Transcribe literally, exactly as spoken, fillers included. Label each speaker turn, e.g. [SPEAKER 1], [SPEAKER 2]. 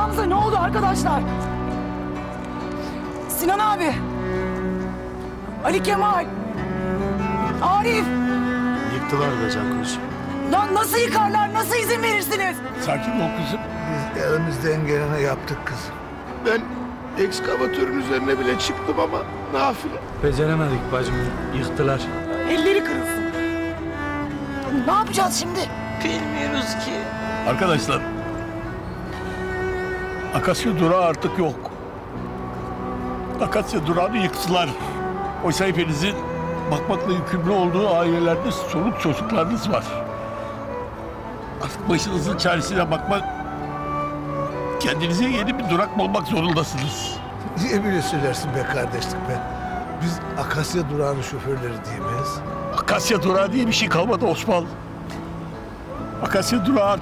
[SPEAKER 1] durağımıza ne oldu arkadaşlar? Sinan abi. Ali Kemal. Arif.
[SPEAKER 2] Yıktılar be Cankuş.
[SPEAKER 1] Lan nasıl yıkarlar? Nasıl izin verirsiniz?
[SPEAKER 3] Sakin ol kızım.
[SPEAKER 4] Biz elimizden geleni yaptık kızım.
[SPEAKER 2] Ben ekskavatörün üzerine bile çıktım ama nafile.
[SPEAKER 5] Beceremedik bacım. Yıktılar.
[SPEAKER 1] Elleri kırılsın. Ne yapacağız şimdi?
[SPEAKER 6] Bilmiyoruz ki.
[SPEAKER 3] Arkadaşlar, Akasya durağı artık yok. Akasya durağını yıktılar. Oysa hepinizin bakmakla yükümlü olduğu ailelerde soluk çocuklarınız var. Artık başınızın çaresine bakmak, kendinize yeni bir durak bulmak zorundasınız.
[SPEAKER 4] Niye böyle söylersin be kardeşlik be? Biz Akasya durağının şoförleri değil miyiz?
[SPEAKER 3] Akasya durağı diye bir şey kalmadı Osman. Akasya durağı